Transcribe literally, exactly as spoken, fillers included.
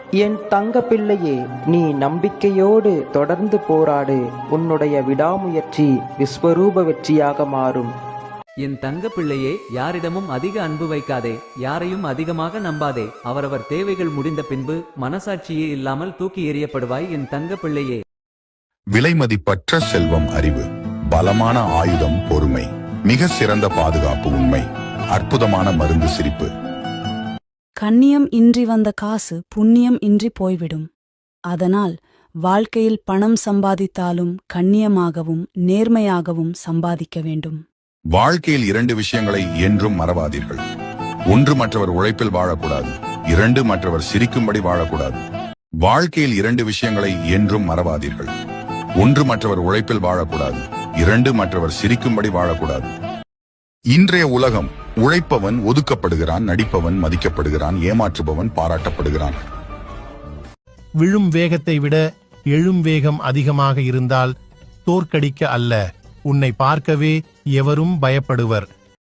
என் தங்க பிள்ளையே, நீ நம்பிக்கையோடு தொடர்ந்து போராடு. உன்னுடைய விடாமுயற்சி விஸ்வரூப வெற்றியாக மாறும். என் தங்க பிள்ளையே, யாரிடமும் அதிக அன்பு வைக்காதே, யாரையும் அதிகமாக நம்பாதே. அவரவர் தேவைகள் முடிந்த பின்பு மனசாட்சியே இல்லாமல் தூக்கி எறியப்படுவாய் என் தங்க பிள்ளையே. விலைமதிப்பற்ற செல்வம் அறிவு, பலமான ஆயுதம் பொறுமை, மிக சிறந்த பாதுகாப்பு உண்மை, அற்புதமான மருந்து சிரிப்பு. கண்ணியம் இன்றி வந்த காசு புண்ணியம் இன்றி போய்விடும். அதனால் வாழ்க்கையில் பணம் சம்பாதித்தாலும் கண்ணியமாகவும் நேர்மையாகவும் சம்பாதிக்க வேண்டும். வாழ்க்கையில் இரண்டு விஷயங்களை என்றும் மறவாதீர்கள். ஒன்று, மற்றவர் உழைப்பில் வாழக்கூடாது. இரண்டு, மற்றவர் சிரிக்கும்படி வாழக்கூடாது. வாழ்க்கையில் இரண்டு விஷயங்களை என்றும் மறவாதீர்கள். ஒன்று, மற்றவர் உழைப்பில் வாழக்கூடாது. இரண்டு, மற்றவர் சிரிக்கும்படி வாழக்கூடாது. இன்றைய உலகம் உழைப்பவன் ஒதுக்கப்படுகிறான், நடிப்பவன் மதிக்கப்படுகிறான், ஏமாற்றுபவன் பாராட்டப்படுகிறான். விழும் வேகத்தை விட எழும் வேகம் அதிகமாக இருந்தால் தோற்கடிக்க அல்ல, உன்னை பார்க்கவே எவரும் பயப்படுவர்.